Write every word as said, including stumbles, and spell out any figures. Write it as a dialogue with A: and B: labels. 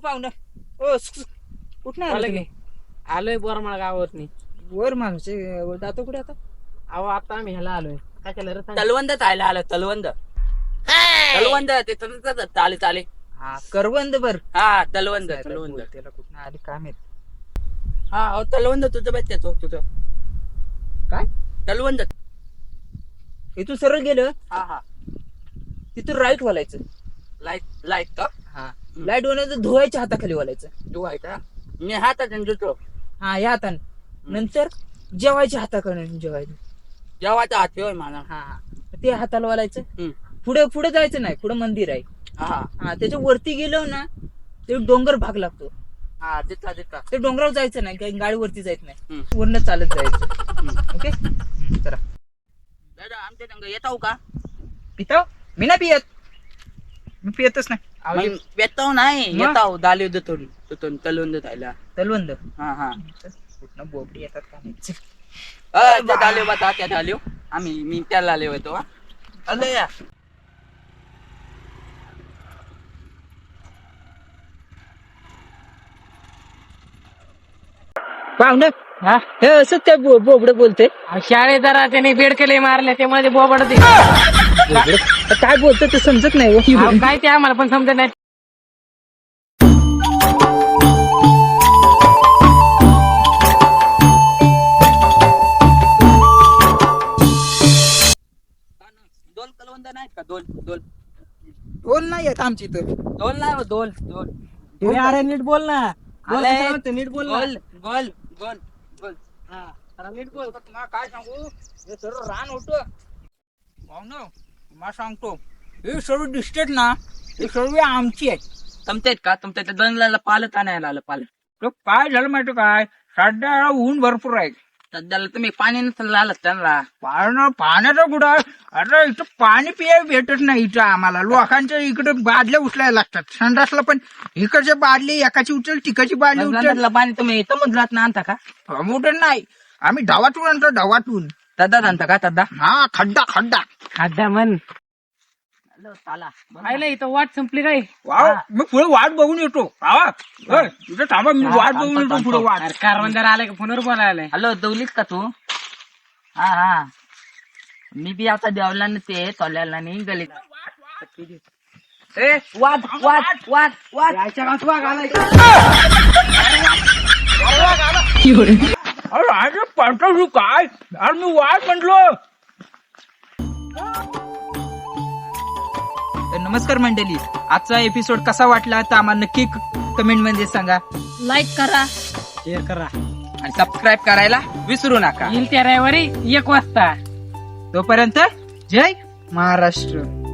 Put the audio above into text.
A: पाहुणं ओ कुठं आलं तुम्ही?
B: आलोय बोरमाळ गावावरनी.
A: वर माणूस जातो कुठे आता?
B: अहो आता आम्ही ह्याला आलोय. काय केलं रे सांग?
C: तलवंद खायला आलं तलवंद तलवंद ते तसंच चाले चाले
A: हा करवंद बर
C: हा तलवंद तलवंद
A: त्याला कुठं आली काय माहित.
C: हा अहो, तलवंद तुझं बघ त्याचं तुझं
A: काय
C: तलवंद
A: इथून सरळ गेलं
C: हा हा
A: तिथून राईट वलायचं.
C: लाईट लाईट का
A: हा लाईट वलायचं धुवायच्या हाताखाली वलायचं.
C: तू आहे का मी हातात जुटो
A: हा या हाताने नंतर जेवायच्या हाताकडे जेवायचं.
C: जेवायचा हात होय मला
A: हा हा ते हाताला वलायचं.
C: हम्म.
A: पुढे पुढे जायचं नाही, पुढे मंदिर आहे.
C: हा
A: हा त्याच्या वरती गेलो ना ते डोंगर भाग लागतो.
C: हा तिथला तिथला
A: ते डोंगरावर जायचं नाही, काही गाडी वरती जायच नाही,
C: हम्म.
A: वरनं चालत जायचं.
C: हम्म.
A: ओके चला
C: दादा आमच्या संग येताव का
A: पिताव मी नाही पियत, मी पियतच नाही.
C: मग येताव नाही
A: मग?
C: येताव दाली तिथून तिथून तलवंद खायला
A: तलवंद
C: हा हा
A: कुठनं बोबडी येतात का नाही.
C: अ, त्यात आले बा त्यात आलो आम्ही मी त्याला आले होतो हा. आले या
A: पाहुणं
B: हा
A: हे असं त्या बोबड बोलते.
B: शाळेत जरा त्याने बेडकले मारले त्यामुळे ते बोबडते.
A: काय बोलतं ते समजत नाही हो.
B: अहो, काय ते आम्हाला पण समजत नाही.
C: दोन तलवंद नाहीत का दोन दोन
A: बोल नाही येत आमची इथं.
C: दोन नाही हो, दोन दोन
B: अरे अरे नीट बोल ना. बोल
C: आले.
B: कसं म्हणतो, नीट बोल ना.
C: गोल गोल गोल गोल
B: हा, जरा नीट बोल.
A: तुम्हाला काय सांगू हे सर्व रान होतं पाहुणं. तुम्हाला सांगतो हे सर्व दिसतेत ना हे सर्व आमची आहे.
C: तुमच्यात का तुमच्या त्या दोनला पालत आणायला आलं पालत
A: तो काय झालं माहिती काय सध्या ऊन भरपूर आहे.
C: सध्याला तुम्ही पाणी नसेल आलं त्यांना
A: पाण्याचं पाण्याचं कुठं आहे? अरे इथं पाणी पियाय भेटत नाही इथं आम्हाला. लोकांच्या इकडे बादल्या उचलायला लागतात. संडासला पण इकडचे बादली एकाची उचल तिकडची बादली उचल.
C: समुद्रातलं पाणी तुम्ही समुद्रात ना आणता का
A: मोठं नाही आम्ही ढवातून आणतो ढवातून.
C: तद्दात आणता का तद्दा
A: हा खड्डा खड्डा.
B: खड्डा म्हण.
C: चाला
B: पाहिलं इथं वाट संपली काय.
A: वाव मी पुढे वाट बघून येतो. आवा होय, इथं थांबा मी वाट बघून येतो पुढे वाट.
B: अरे कारवण जरा आलाय का फोनवर बोलायला.
C: हॅलो दौलीत का तू हा हा मी बी आता देवला ते तोल्याला नाही गलीत
A: ए
C: वाद वाद वाद वाद
A: अरे आज पाठवू काय अरे मी वाट म्हटलो. नमस्कार मंडळी, आजचा एपिसोड कसा वाटला तर आम्हाला नक्की कमेंट मध्ये सांगा.
B: लाईक करा, शेअर करा
C: आणि सबस्क्राईब करायला विसरू नका.
B: येईल त्या रविवारी एक वाजता.
A: तोपर्यंत जय महाराष्ट्र.